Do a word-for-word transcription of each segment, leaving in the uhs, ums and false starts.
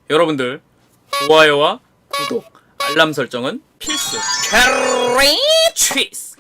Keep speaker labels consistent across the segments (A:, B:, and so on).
A: 여러분들 좋아요와 구독, 알람 설정은 필수. 캐리 취스.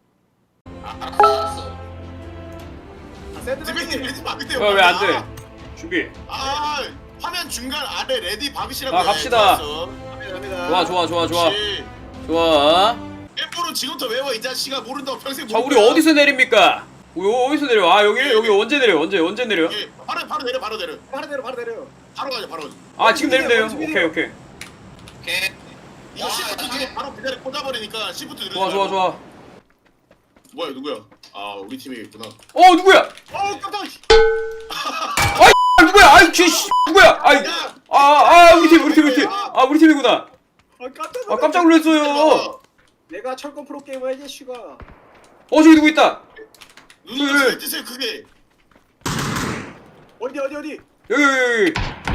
B: 디베이님 레디 박으세요.
A: 왜 안 돼? 준비.
B: 아 화면 중간 아래 레디 박으시라고.
A: 아, 갑시다.
B: 갑니다.
A: 좋아 좋아 좋아 좋아
B: 그렇지.
A: 좋아.
B: 일부러 지금부터 외워 이 자식아. 모른다고 평생.
A: 자, 우리 어디서 내립니까? 우리 어디서 내려? 아, 여기 여기 언제 내려? 언제 언제 내려?
B: 예, 바로 바로 내려 바로 내려.
C: 바로 내려 바로 내려.
B: 바로 가자 바로.
A: 아, 지금 내리면 돼요. 오케이 오케이.
B: 오케이. 이거 시프트 뒤로 바로 배달에 꽂아버리니까 시프트 누르지
A: 좋아 좋아
B: 말고.
A: 좋아.
B: 뭐야 누구야? 아 우리 팀이겠구나.
A: 어, 누구야?
B: 어 깜짝이야.
A: 아, 누구야? 아이, 쟤 씨, 누구야? 아이,
B: 야!
A: 아, 아, 우리 팀, 우리 팀, 우리 팀. 아, 우리 팀이구나.
C: 아 깜짝
A: 아, 깜짝 놀랐어요.
C: 내가 철권 프로 게이머 해지 슈가.
A: 어, 저기 누구 있다.
B: 눈이
A: 왜?
B: 왜 뜨세요 그게?
C: 어디 어디 어디?
A: 여기 여기 여기.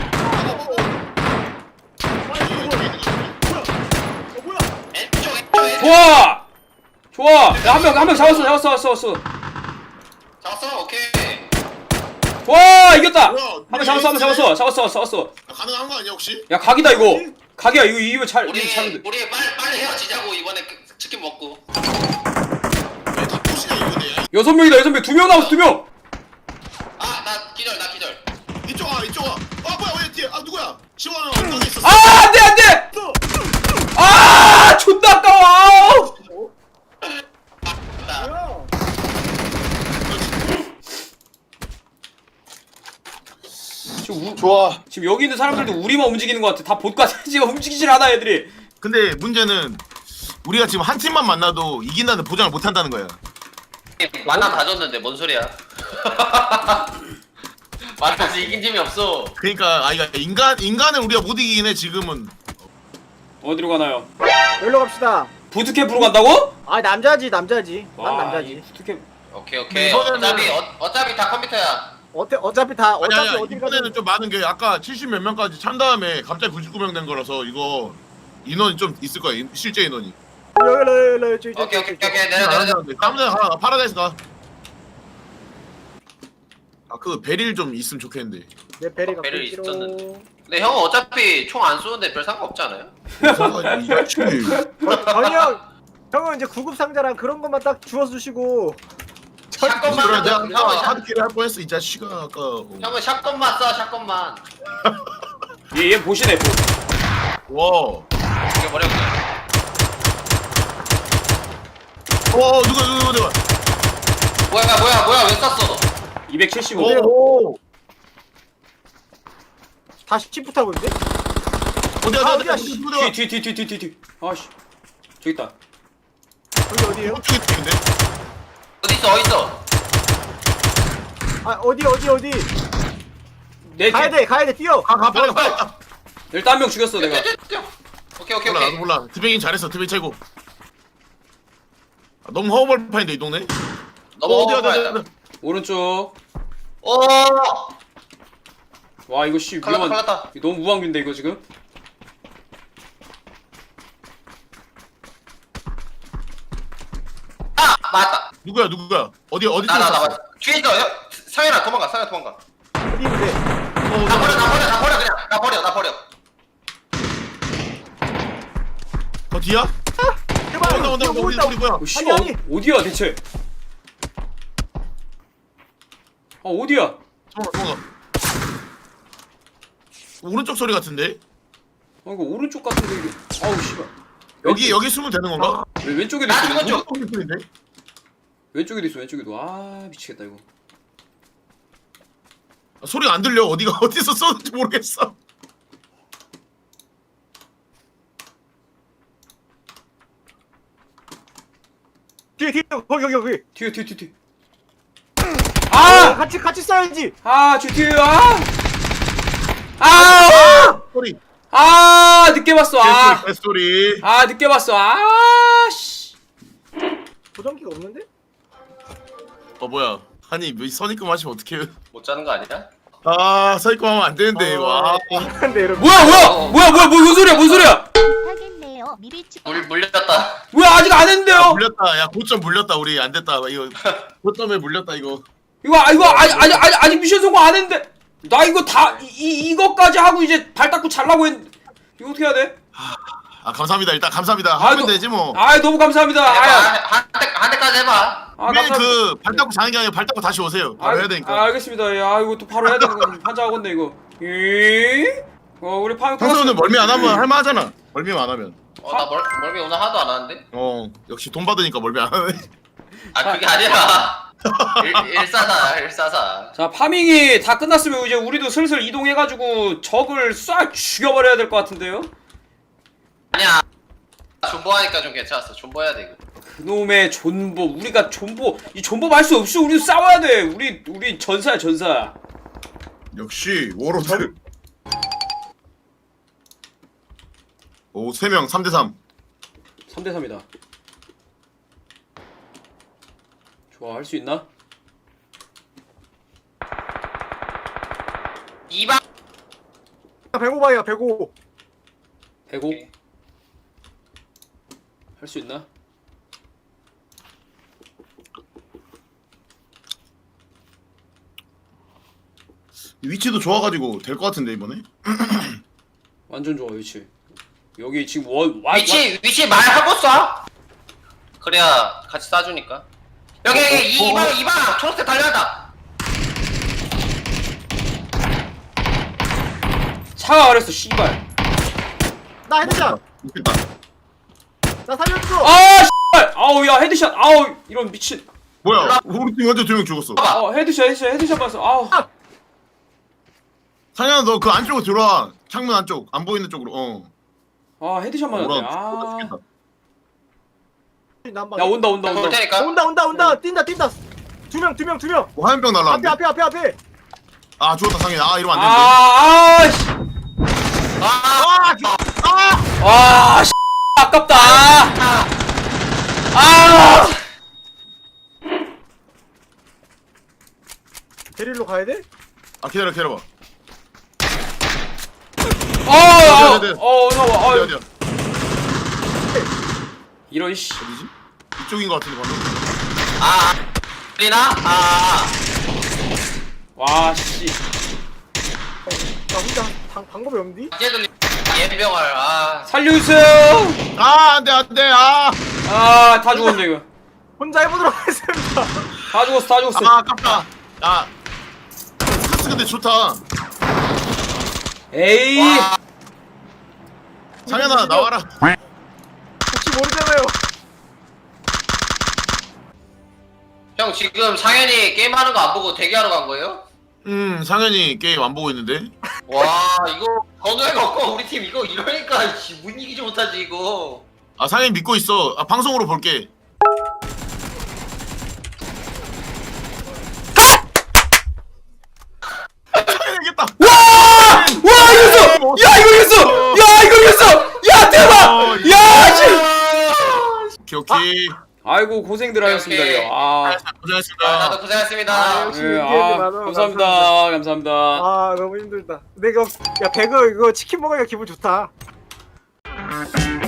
C: 아 이거 뭐야? 뭐야? 어 뭐야?
A: 좋아. 좋아. 야, 한 명, 한 명 잡았어, 잡았어, 잡았어, 잡았어.
D: 잡았어? 오케이.
A: 좋아, 이겼다.
B: 뭐야,
A: 한 명 잡았어, 한 명 잡았어, 잡았어, 잡았어.
B: 아, 가능한 거 아니야 혹시?
A: 야, 각이다 이거. 각이야, 이거 이거 잘,
D: 우리
A: 이거 잘.
D: 우리 빨리 빨리 헤어지자고 이번에 그- 치킨 먹고.
B: 왜다 부시냐 이거네. 야.
A: 여섯 명이다, 여섯 명. 두 명 남았어, 두 명.
D: 아 나 기절 나 기절.
B: 이쪽 와 이쪽 와. 아 뭐야 왜 뒤에? 아 누구야? 지원아 엉덩이 있었어.
A: 아, 안 돼, 안 돼. 아, 존나 아까워.
D: 나
C: 뭐야?
A: 지금 우,
E: 좋아.
A: 지금 여기 있는 사람들도 우리만 움직이는 것 같아. 다 봇 같아. 지금 움직이질 않아, 애들이.
E: 근데 문제는 우리가 지금 한 팀만 만나도 이긴다는 보장을 못 한다는 거야.
D: 만나 다 줬는데 뭔 소리야? 만나서 이긴 팀이 없어.
E: 그러니까 아 이거 인간 인간을 우리가 못 이기긴 해 지금은.
A: 어디로 가나요?
C: 여기로 갑시다.
A: 부트캠프로 간다고?
C: 아 남자지 남자지. 난
A: 와, 이
C: 남자지.
A: 부트캠프.
D: 오케이 오케이.
E: 이번에는-
D: 어차피 어, 어차피 다 컴퓨터야.
C: 어때 어차피 다
E: 아니
C: 어차피
E: 아니
C: 어디
E: 이번에는
C: 가든
E: 좀 많은 게 아까 칠십 몇 명까지 찬 다음에 갑자기 구십구 명 된 거라서 이거 인원이 좀 있을 거야 인- 실제 인원이.
C: 여기 여기 여기 저기
D: 오케이 오케이
C: 저기
D: 오케이. 내려 내려 내려.
E: 다음 장 하나 파라다이스 가. 아 그 베릴 좀 있으면 좋겠는데.
C: 내 베리가
D: 베릴
C: 끊기로.
D: 있었는데. 근데 형은 어차피 총 안 쏘는데 별 상관 없지 않아요?
E: 이 자식.
C: 어, 전이 형 형은 이제 구급 상자랑 그런 것만 딱 주워 주시고.
D: 샷건만
E: 그래 내가
D: 형은
E: 내가
D: 샷,
E: 하드캐리 할 뻔했어 이 자식아 아까. 어.
D: 형은 샷건만 쏴 샷건만.
A: 얘, 얘 보시네, 보.
E: 와.
D: 이게 버려 그냥.
E: 어 누가 누가 누가.
D: 뭐야 뭐야 뭐야 왜 쐈어?
A: 이백칠십오.
E: 오.
C: 다시 치프 타고 있는데?
E: 어디
C: 아,
E: 어디
C: 어디야,
E: 어디
C: 씨.
E: 어디 어디.
A: 뒤, 뒤, 뒤, 뒤, 뒤, 뒤. 아씨. 저기 있다.
C: 여기 어디에요?
E: 어떻게 되는데?
D: 어디 있어 어디 있어?
C: 아 어디 어디 어디?
A: 내
C: 가야
A: 뒤.
C: 돼 가야 돼 뛰어.
E: 가가 빨리 빨리. 가.
A: 일단 한 명 죽였어, 내가.
D: 오케이 오케이
E: 몰라
D: 오케이.
E: 나도 몰라. 드뱅이 잘했어. 드뱅 최고. 아, 너무 허벌판인데 이 동네.
D: 너무
E: 어, 어디 어디
D: 어디야?
E: 어디. 어디.
A: 오른쪽.
D: 오.
A: 와, 이거 씨,
D: 칼났다,
A: 위험한.
D: 칼났다.
A: 이거 너무 무방비인데, 이거 지금?
D: 아 맞다.
E: 누구야 누구야? 어디 어디
D: 나 나 나
E: 쳤어?
D: 맞다. 뒤에 있어. 형, 상현아 도망가. 상현 도망가.
C: 어디 있는데?
D: 나 버려 나 버려 나 버려 그냥. 나 버려 나 버려.
E: 더 뒤야?
C: 제발.
E: 온다 온다 온다. 우리 우리 뭐야?
A: 어, 씨발,
C: 아니, 아니.
A: 어, 어디야, 대체? 아, 어디야?
E: 도망가 도망가. 오른쪽 소리 같은데?
A: 아, 이거 오른쪽 같은데, 이게. 아우, 씨발.
E: 여기 여기 숨으면 되는 건가?
A: 왜 왼쪽에도
D: 나
A: 있어?
D: 죽었죠?
E: 오른쪽 소리인데?
A: 왼쪽에도 있어, 왼쪽에도. 아, 미치겠다, 이거.
E: 아, 소리가 안 들려. 어디가 어디서 쏘는지 모르겠어.
C: 뒤에 뒤에 거기 여기 여기.
A: 뒤에, 뒤에, 뒤에, 뒤에.
C: 아
A: 아!
C: 같이 같이 써야지.
A: 아, 뒤에, 뒤에, 아! 아!
E: 소리.
A: 아, 늦게 봤어, 아!
E: 개 소리.
A: 아, 늦게 봤어, 아, 씨.
C: 보정기가 없는데?
E: 어 뭐야? 아니 뭐 선입금 하시면 어떡해요?
D: 못 자는 거 아니야?
E: 아 선입금 하면 안 되는데 이거. 아.
C: 근데 이런.
A: 뭐야, 뭐야! 뭐야, 뭐야, 뭐, 뭔 소리야, 뭔 소리야!
F: 하겠네요. 미리 주...
D: 물 물렸다.
A: 뭐야, 아직 안 했는데요?
E: 물렸다. 야 고점 물렸다. 우리 안 됐다. 이거 고점에 물렸다 이거.
A: 이거, 아, 이거, 아직, 아직, 아직, 아직 미션 성공 안 했는데! 나 이거 다 이, 이 이거까지 하고 이제 발 닦고 잘라고 했. 이거 어떻게 해야 돼?
E: 아 감사합니다. 일단 감사합니다.
A: 아,
E: 하면
A: 너-
E: 되지 뭐.
A: 아 너무 감사합니다.
D: 해봐.
A: 아,
D: 한, 대, 한 대까지 해봐.
A: 아
E: 매일
A: 감사합니다.
E: 그발 닦고 자는 게 아니라 발 닦고 다시 오세요. 바로
A: 아,
E: 해야 되니까.
A: 아, 알겠습니다. 예, 아 이거 또 바로 해야 되는 건 환장하겠네 이거. 예? 어 우리 파밍
E: 평소에는 멀미 안 하면 할만하잖아. 멀미만 안 하면.
D: 어, 나 멀, 멀미 오늘 하나도 안 하는데?
E: 어 역시 돈 받으니까 멀미 안 하네.
D: 아, 그게 아니라. 일, 일사사, 일사사.
A: 자 파밍이 다 끝났으면 이제 우리도 슬슬 이동해가지고 적을 싹 죽여버려야 될 것 같은데요?
D: 아니야. 존버하니까 좀 괜찮았어. 존버해야 돼, 이거.
A: 그놈의 존보 우리가 존보 이 존보 말 수 없이 우리 싸워야 돼. 우리 우리 전사야 전사.
E: 역시 워로드. 오 세 명 삼 대 삼.
A: 삼 대 삼이다. 좋아 할 수 있나?
D: 이방.
C: 백오방이야 백오.
A: 백오 할 수 있나?
E: 위치도 좋아가지고 될 것 같은데 이번에.
A: 완전 좋아 위치. 여기 지금 원 와,
D: 위치, 위치 말하고 쏴. 그래야 같이 쏴주니까. 여기, 여기, 이, 이방, 이방! 초록색 달려간다!
A: 차가 그랬어 씨발.
C: 나 헤드샷.
E: 좋겠다.
C: 나 살려줘.
A: 아 씨발. 아우 야 헤드샷. 아우 이런 미친.
E: 뭐야? 우리 팀 완전 두 명 죽었어.
D: 봐봐.
A: 어 헤드샷 헤드샷 헤드샷 봤어. 아우.
E: 상현아 너 그 안쪽으로 들어와. 창문 안쪽 안 보이는 쪽으로. 어.
A: 아 헤드샷 맞았네.
E: 뭐라
A: 아.
E: 죽겠다.
C: 난방.
A: 야 온다 온다
D: 올
A: 온다.
D: 테니까.
C: 온다 온다 온다. 뛴다 뛴다. 두 명 두 명 두 명.
E: 뭐 화염병
C: 앞에
E: 날라왔는데.
C: 앞에 앞에 앞에.
E: 아 죽었다 상현. 아 이러면 안 되는데.
A: 아, 아, 씨.
D: 아,
E: 아!
A: 와, 씨, 아깝다. 아,
C: 데릴로 가야 돼?
E: 아 기다려 기다려봐.
A: 어, 어,
E: 어디, 어디?
A: 어, 어, 어,
E: 어디
A: 어,
E: 어디야?
A: 이런 씨.
E: 어디지? 이쪽인 것 같은데 방금.
D: 아, 리나? 아,
A: 와, 씨.
C: 나 혼자 방, 방법이 없니?
D: 이제 들리, 예병을, 아.
A: 살려주세요.
E: 아 안돼 안돼 아.
A: 아, 다 죽었네 이거.
C: 혼자 해보도록 하겠습니다.
A: 다 죽었어, 다 죽었어.
E: 아 아깝다. 아. 카스 근데 좋다.
A: 에이,
D: 와,
E: 상현아 나와라.
C: 혹시 모르잖아요.
D: 형 지금 상현이 게임하는 거 안 보고 대기하러 간 거예요?
E: 음 상현이 게임 안 보고 있는데.
D: 와, 이거 건우애가 없고 우리 팀 이거 이러니까 씨, 못 이기지 못하지 이거.
E: 아 상현이 믿고 있어. 아 방송으로 볼게. 상현이 이겼다.
A: 와, 이겼어. 야, 이거 이겼어. 야, 이거 이겼어. 야, 대박. 야, 씨.
E: 오케이 오케이.
A: 아이고 고생들 하셨습니다.
D: 오케이.
A: 이거. 아,
D: 아,
E: 고생하셨습니다.
D: 나도 고생했습니다.
C: 아, 역시
A: 예,
C: 이게
A: 아,
C: 많아.
A: 감사합니다. 감사합니다.
C: 아 너무 힘들다. 근데 이거 야 배그 이거 치킨 먹으니까 기분 좋다.